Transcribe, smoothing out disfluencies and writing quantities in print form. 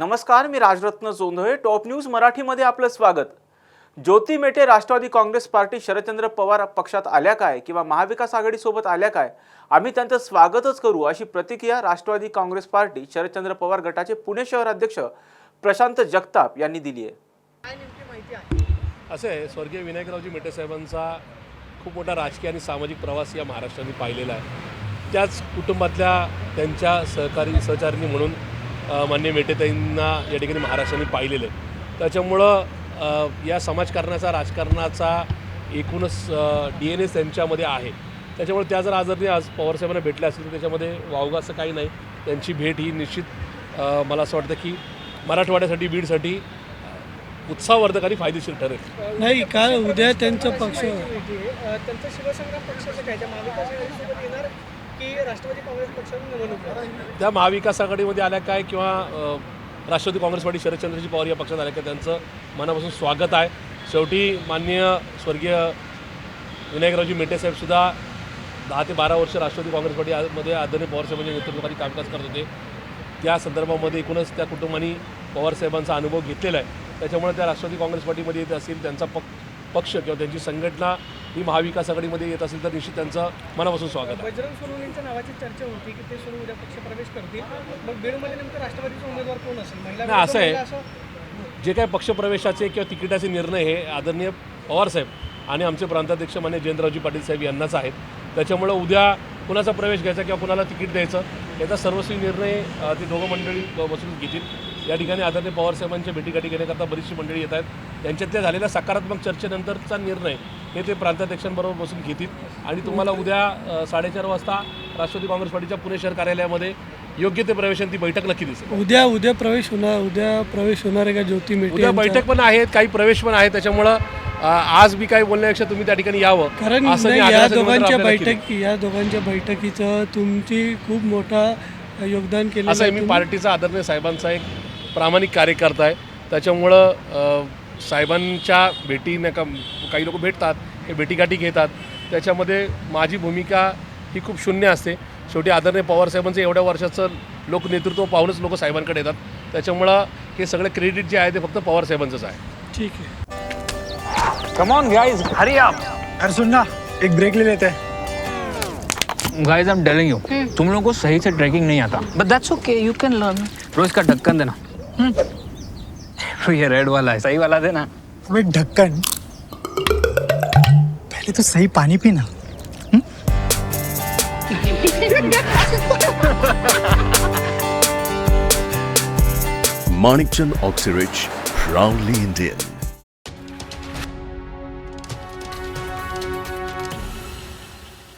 नमस्कार, मी Rajratna Jondhale. Top news मराठीमध्ये आपलं स्वागत. ज्योती मेटे राष्ट्रवादी काँग्रेस पार्टी शरदचंद्र पवार पक्षात आल्या काय किंवा महाविकास आघाडीसोबत आल्या काय, आम्ही त्यांचं स्वागतच करू, अशी प्रतिक्रिया राष्ट्रवादी काँग्रेस पार्टी शरदचंद्र पवार गटाचे पुणे शहर अध्यक्ष प्रशांत जगताप यांनी दिली आहे. काय नेमकी माहिती आहे? असं आहे, स्वर्गीय विनायकरावजी मेटे साहेबांचा खूप मोठा राजकीय आणि सामाजिक प्रवास या महाराष्ट्राने पाहिलेला आहे. त्याच कुटुंबातल्या त्यांच्या सहचारिणी म्हणून माननीय मेटेताईंना या ठिकाणी महाराष्ट्राने पाहिलेलं आहे. त्याच्यामुळं या समाजकारणाचा, राजकारणाचा एकूणच DNA त्यांच्यामध्ये आहे. त्याच्यामुळे त्या जर आज पवारसाहेबांना भेटल्या असतील तर त्याच्यामध्ये वावगं असं काही नाही. त्यांची भेट ही निश्चित मला असं वाटतं की मराठवाड्यासाठी, बीडसाठी उत्साहवर्धक आणि फायदेशीर ठरेल. नाही, काय उद्या त्यांचा पक्ष त्यांचं शिवसंग्राम पक्षाचं काय, त्या महाविकास आघाडीसोबत येणार की राष्ट्रवादी काँग्रेस पक्षातून निवडणूक? त्या महाविकास आघाडीमध्ये आल्या काय किंवा राष्ट्रवादी काँग्रेस पार्टी शरदचंद्रजी पवार या पक्षात आल्या काय, त्यांचं मनापासून स्वागत आहे. शेवटी माननीय स्वर्गीय विनायकरावजी मेटेसाहेबसुद्धा 10 ते 12 वर्ष राष्ट्रवादी काँग्रेस पार्टीमध्ये आदरणीय पवारसाहेबांच्या नेतृत्वाखाली कामकाज करत होते. त्या संदर्भामध्ये एकूणच त्या कुटुंबांनी पवारसाहेबांचा अनुभव घेतलेला आहे. त्याच्यामुळे त्या राष्ट्रवादी काँग्रेस पार्टीमध्ये येत असतील, त्यांचा पक्ष किंवा त्यांची संघटना ही महाविकास आघाडीमध्ये येत असेल तर निश्चित त्यांचं मनापासून स्वागत आहे. बजरंग सोनवणेंच्या नावाची चर्चा होती की ते सोनू उद्या पक्षप्रवेश करतील. मग बीडमध्ये नेमकं राष्ट्रवादीचा उमेदवार कोण असेल? नाही, असं आहे, जे काही पक्षप्रवेशाचे किंवा तिकिटाचे निर्णय हे आदरणीय पवारसाहेब आणि आमचे प्रांताध्यक्ष मान्य जयंतरावजी पाटील साहेब यांनाच आहेत. त्याच्यामुळं उद्या कुणाचा प्रवेश घ्यायचा किंवा कुणाला तिकीट द्यायचं याचा सर्वस्वी निर्णय ते दोघं मंडळी बसून घेतील. या ठिकाणी आदरणीय पवारसाहेबांच्या भेटीगाठी घेण्याकरता बरीचशी मंडळी येत आहेत. त्यांच्यातल्या झालेल्या सकारात्मक चर्चेनंतरचा निर्णय हे ते प्रांताध्यक्षांबरोबर बसून घेतील आणि तुम्हाला उद्या 4:30 वाजता राष्ट्रवादी काँग्रेस पार्टीच्या पुणे शहर कार्यालयामध्ये योग्य ते प्रवेशांची बैठक नक्की दिसेल. उद्या प्रवेश होणार आहे का ज्योती मेटे? उद्या बैठक पण आहेत, काही प्रवेश पण आहेत. त्याच्यामुळं आज मी काही बोलण्यापेक्षा तुम्ही त्या ठिकाणी यावं. कारण या दोघांच्या बैठकीचं तुमची खूप मोठा योगदान केलं. असं आहे, मी पार्टीचा आदरणीय साहेबांचा एक प्रामाणिक कार्यकर्ता आहे. त्याच्यामुळं साहेबांच्या भेटीने काही लोक भेटतात, हे भेटीगाठी घेतात. त्याच्यामध्ये माझी भूमिका ही खूप शून्य असते. शेवटी आदरणीय पवारसाहेबांचं एवढ्या वर्षाचं लोकनेतृत्व पाहूनच लोक साहेबांकडे येतात. त्याच्यामुळं हे सगळं क्रेडिट जे आहे ते फक्त पवारसाहेबांचंच आहे. ठीक है, Come on guys, hurry up. अरे सुन ना, एक ब्रेक ले लेते हैं. Guys, I'm telling you, तुम लोगों को सही से ट्रैकिंग नहीं आता. But that's okay, you can learn. रोज का ढक्कन देना. ये रेड वाला है, सही वाला देना. अबे ढक्कन, पहले तो सही पानी पीना. Manikchand Oxyrich, proudly Indian.